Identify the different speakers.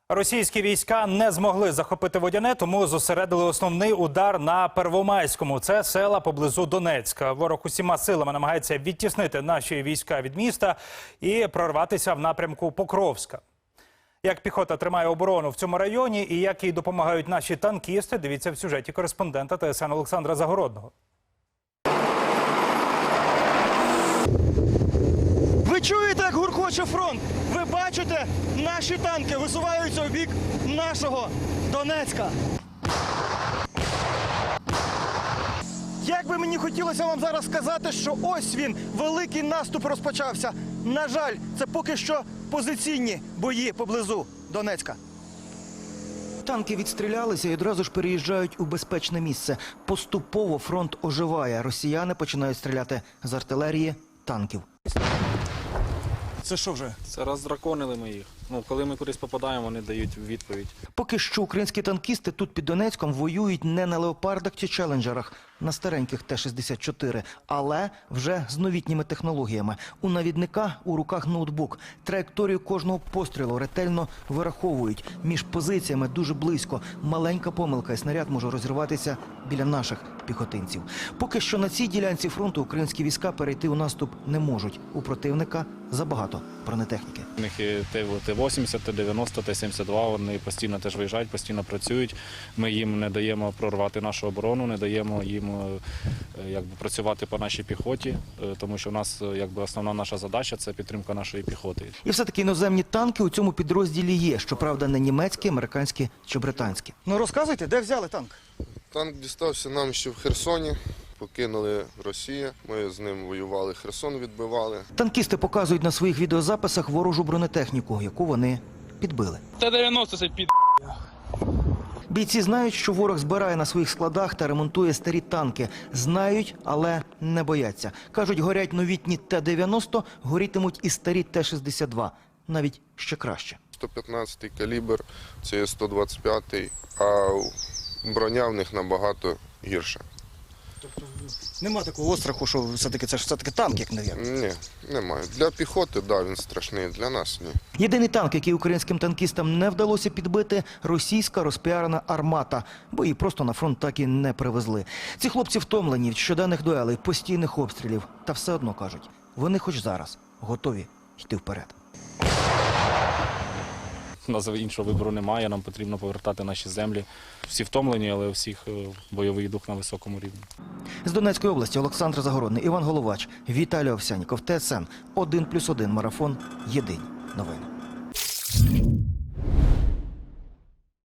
Speaker 1: Російські війська не змогли захопити Водяне, тому зосередили основний удар на Первомайському. Це села поблизу Донецька. Ворог усіма силами намагається відтіснити наші війська від міста і прорватися в напрямку Покровська. Як піхота тримає оборону в цьому районі і як їй допомагають наші танкісти, дивіться в сюжеті кореспондента ТСН Олександра Загородного.
Speaker 2: Ви чуєте, як гуркоче фронт? Ви бачите, наші танки висуваються у бік нашого Донецька. Як би мені хотілося вам зараз сказати, що ось він, великий наступ розпочався. На жаль, це поки що позиційні бої поблизу Донецька. Танки відстрілялися і одразу ж переїжджають у безпечне місце. Поступово фронт оживає. Росіяни починають стріляти з артилерії, танків. Це що вже?
Speaker 3: Це роздраконили ми їх. Коли ми кудись попадаємо, вони дають відповідь.
Speaker 2: Поки що українські танкісти тут під Донецьком воюють не на леопардах чи челенджерах, на стареньких Т-64, але вже з новітніми технологіями. У навідника у руках ноутбук. Траєкторію кожного пострілу ретельно вираховують. Між позиціями дуже близько. Маленька помилка і снаряд може розірватися біля наших піхотинців. Поки що на цій ділянці фронту українські війська перейти у наступ не можуть. У противника забагато бронетехніки.
Speaker 3: У них і Т-80, Т-90, Т-72, вони постійно теж виїжджають, постійно працюють. Ми їм не даємо прорвати нашу оборону, не даємо їм працювати по нашій піхоті, тому що у нас основна наша задача – це підтримка нашої піхоти.
Speaker 2: І все-таки іноземні танки у цьому підрозділі є. Щоправда, не німецькі, американські чи британські. Ну розказуйте, де взяли танк?
Speaker 4: Танк дістався нам ще в Херсоні. Покинули Росію, ми з ним воювали, Херсон відбивали.
Speaker 2: Танкісти показують на своїх відеозаписах ворожу бронетехніку, яку вони підбили.
Speaker 5: Т-90 це під...
Speaker 2: Бійці знають, що ворог збирає на своїх складах та ремонтує старі танки. Знають, але не бояться. Кажуть, горять новітні Т-90, горітимуть і старі Т-62. Навіть ще краще.
Speaker 4: 115-й калібр, це є 125-й, а броня в них набагато гірша.
Speaker 2: Нема такого остраху, що все-таки це ж все-таки танк, як навірно?
Speaker 4: Ні, немає. Для піхоти, так, він страшний, для нас ні.
Speaker 2: Єдиний танк, який українським танкістам не вдалося підбити – російська розпіарена «Армата», бо її просто на фронт так і не привезли. Ці хлопці втомлені від щоденних дуелей, постійних обстрілів. Та все одно, кажуть, вони хоч зараз готові йти вперед.
Speaker 3: У нас іншого вибору немає, нам потрібно повертати наші землі. Всі втомлені, але у всіх бойовий дух на високому рівні.
Speaker 2: З Донецької області Олександр Загородний, Іван Головач, Віталій Овсянніков, ТСН 1+1 марафон. Єдині новини.